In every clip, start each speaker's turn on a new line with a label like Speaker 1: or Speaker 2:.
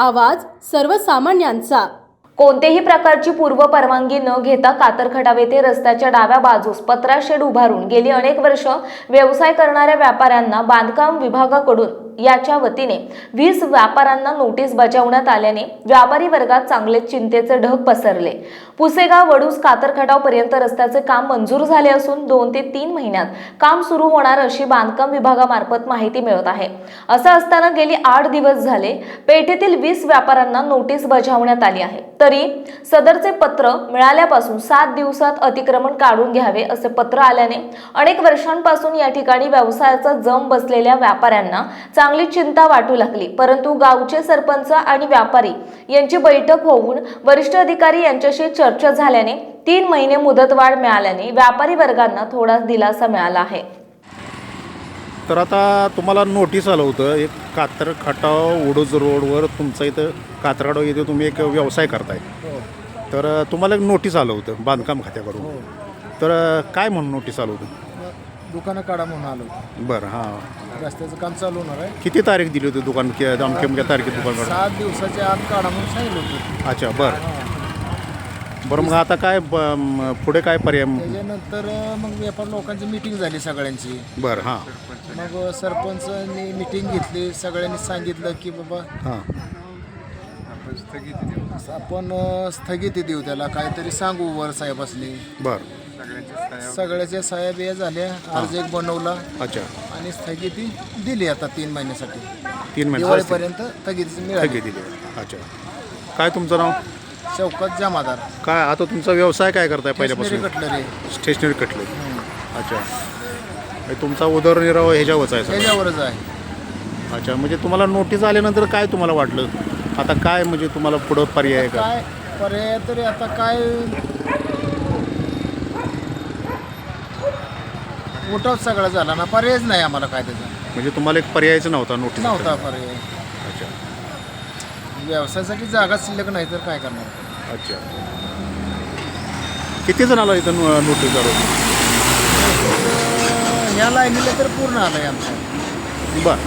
Speaker 1: आवाज सर्वसामान्यांचा।
Speaker 2: कोणतेही प्रकारची पूर्व परवानगी न घेता कातरखटाव येथे रस्त्याच्या डाव्या बाजूस पत्रा शेड उभारून गेली अनेक वर्ष व्यवसाय करणाऱ्या व्यापाऱ्यांना बांधकाम विभागाकडून याच्या वतीने 20 व्यापाऱ्यांना नोटीस बजावण्यात आल्याने व्यापारी वर्गात चांगले चिंतेचे ढग पसरले। पुसेगाव वडूस कातरखटाव पर्यंत रस्त्याचे काम मंजूर झाले असून 2 ते 3 महिन्यात काम सुरू होणार अशी बांधकाम विभागामार्फत माहिती मिळत आहे। असं असताना गेली 8 दिवस झाले पेठेतील 20 व्यापाऱ्यांना नोटीस बजावण्यात आली आहे। तरी सदरचे पत्र मिळाल्यापासून 7 दिवसात अतिक्रमण काढून घ्यावे असे पत्र आल्याने अनेक वर्षांपासून या ठिकाणी व्यवसायाचा जम बसलेल्या व्यापाऱ्यांना चांगली चिंता वाटू लागली। परंतु गावचे सरपंच आणि व्यापारी यांची बैठक होऊन वरिष्ठ अधिकारी यांच्याशी चर्चा झाल्याने 3 महिने मुदतवाढ मिळाल्याने व्यापारी वर्गांना थोडा दिलासा मिळाला आहे।
Speaker 3: तर आता तुम्हाला नोटीस आलं होतं एक कातरखटाव वडूज रोडवर तुमचा इथं कातरखटाव येथे तुम्ही एक व्यवसाय करताय। तर तुम्हाला एक नोटीस आलं होतं बांधकाम खात्याकडून। तर काय म्हणून नोटीस आलं होतं?
Speaker 4: दुकानं काढा म्हणून आलो।
Speaker 3: बरं, हां,
Speaker 4: रस्त्याचं काम चालू होणार आहे।
Speaker 3: किती तारीख दिली होती दुकान अमक्या तारखेत दुकान काढा?
Speaker 4: 7 दिवसाच्या आत काढा म्हणून सांगितलं होतं।
Speaker 3: अच्छा, बरं बरं, मग आता काय पुढे काय पर्याय?
Speaker 4: त्याच्यानंतर मग व्यापार लोकांची मीटिंग झाली सगळ्यांची।
Speaker 3: बरं, हां,
Speaker 4: मग सरपंचांनी मीटिंग घेतली, सगळ्यांनी सांगितलं की बाबा
Speaker 3: हां,
Speaker 4: आपण स्थगिती देऊ, त्याला काहीतरी सांगू वर साहेबासनी।
Speaker 3: बरं,
Speaker 4: सगळ्याच्या सह्या बिया झाल्या, अर्ज एक बनवला।
Speaker 3: अच्छा,
Speaker 4: आणि स्थगिती दिली आता 3 महिन्यासाठी।
Speaker 3: 3 महिने
Speaker 4: दिवाळीपर्यंत स्थगिती मिळाली।
Speaker 3: दिली। अच्छा, काय तुमचं नाव?
Speaker 4: शौकत जमादार।
Speaker 3: काय आता तुमचा व्यवसाय काय करताय पहिल्यापासून?
Speaker 4: कटलरी।
Speaker 3: Stationery cutlery. अच्छा, म्हणजे तुमचा उदरनिर्वाह ह्याच्यावरच आहे सगळं?
Speaker 4: त्याच्यावरच आहे।
Speaker 3: अच्छा, म्हणजे तुम्हाला नोटीस आल्यानंतर काय तुम्हाला वाटलं आता काय म्हणजे तुम्हाला पुढं पर्याय आहे का?
Speaker 4: काय पर्याय तरी आता काय उठाव सगळा झाला ना, पर्यायच नाही आम्हाला काय त्याचा।
Speaker 3: म्हणजे तुम्हाला एक पर्यायच नव्हता नोटीस?
Speaker 4: नव्हता पर्याय।
Speaker 3: अच्छा,
Speaker 4: व्यवसायासाठी जागा शिल्लक नाही तर काय करणार?
Speaker 3: अच्छा, किती जणाला इथं नोटीस आलं?
Speaker 4: ह्या लाईनीला तर पूर्ण आलं आहे आमचं।
Speaker 3: बरं,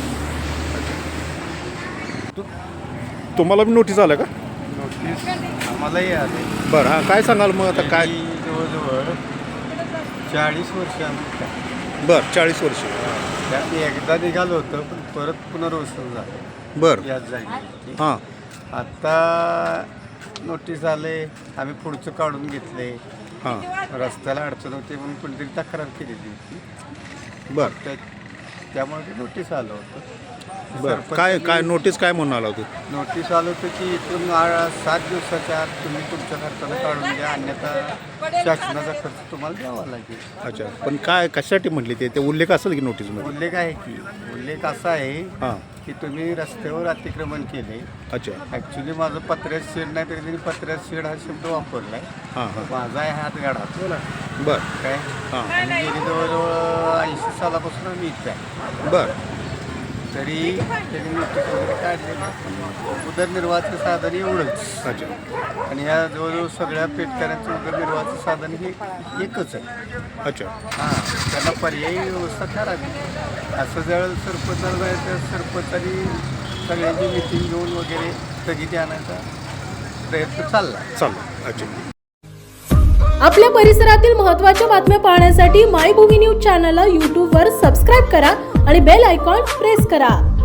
Speaker 3: तुम्हाला बी नोटीस आलं का?
Speaker 5: नोटीस आम्हालाही आले।
Speaker 3: बरं, हां, काय सांगाल मग आता काय?
Speaker 5: जवळजवळ 40 वर्ष आम्ही।
Speaker 3: बरं, 40 वर्ष.
Speaker 5: त्यात एकदा निघालो होतं पण परत पुनर्वसन झालं।
Speaker 3: बरं,
Speaker 5: याच जागी
Speaker 3: हां,
Speaker 5: आता नोटीस आले, आम्ही पुढचं काढून घेतले।
Speaker 3: हां,
Speaker 5: रस्त्याला अडचण होती म्हणून कोणतरी तक्रार केलेली होती।
Speaker 3: बरं,
Speaker 5: त्यामुळे ते नोटीस आलं होतं।
Speaker 3: बरं, काय नोटीस काय म्हणून आलं होतं?
Speaker 5: नोटीस आलं होतं की इथून 7 दिवसाच्या आत तुम्ही तुमच्या खर्चानं काढून घ्या, अन्यथा शासनाचा खर्च तुम्हाला द्यावा लागेल।
Speaker 3: अच्छा, पण काय कशासाठी म्हटली ते उल्लेख असेल की नोटीसमध्ये?
Speaker 5: उल्लेख आहे की, उल्लेख असा आहे
Speaker 3: हां,
Speaker 5: की तुम्ही रस्त्यावर अतिक्रमण केले।
Speaker 3: अच्छा,
Speaker 5: ॲक्च्युली माझं पत्र्यात शेड नाही तरी त्यांनी पत्र्यात शेड हा शब्द वापरला आहे।
Speaker 3: हां, हां,
Speaker 5: माझा आहे हात गाडा
Speaker 3: बरं,
Speaker 5: काय,
Speaker 3: हां,
Speaker 5: आणि गेली जवळजवळ 80 सालापासून आम्ही इथे आहे।
Speaker 3: बरं,
Speaker 5: तरी त्यांनी नोटीस वगैरे काढलेली। उदरनिर्वाहाचं साधन एवढंच,
Speaker 3: अच्छा,
Speaker 5: आणि ह्या जवळजवळ सगळ्या पेटकऱ्यांचं उदरनिर्वाहाचं साधन हे एकच आहे।
Speaker 3: अच्छा,
Speaker 5: हां, त्यांना पर्यायी व्यवस्था करावी असं जर सरपंचाला जायचं, सरपंचानी सगळ्यांची मिटिंग घेऊन वगैरे स्थगिती आणायचा प्रयत्न चालला।
Speaker 3: अच्छा।
Speaker 1: आपल्या परिसरातील महत्त्वाच्या बातम्या पाहण्यासाठी मायभूमी न्यूज चॅनलला YouTubeवर सबस्क्राईब करा आणि बेल आयकॉन प्रेस करा।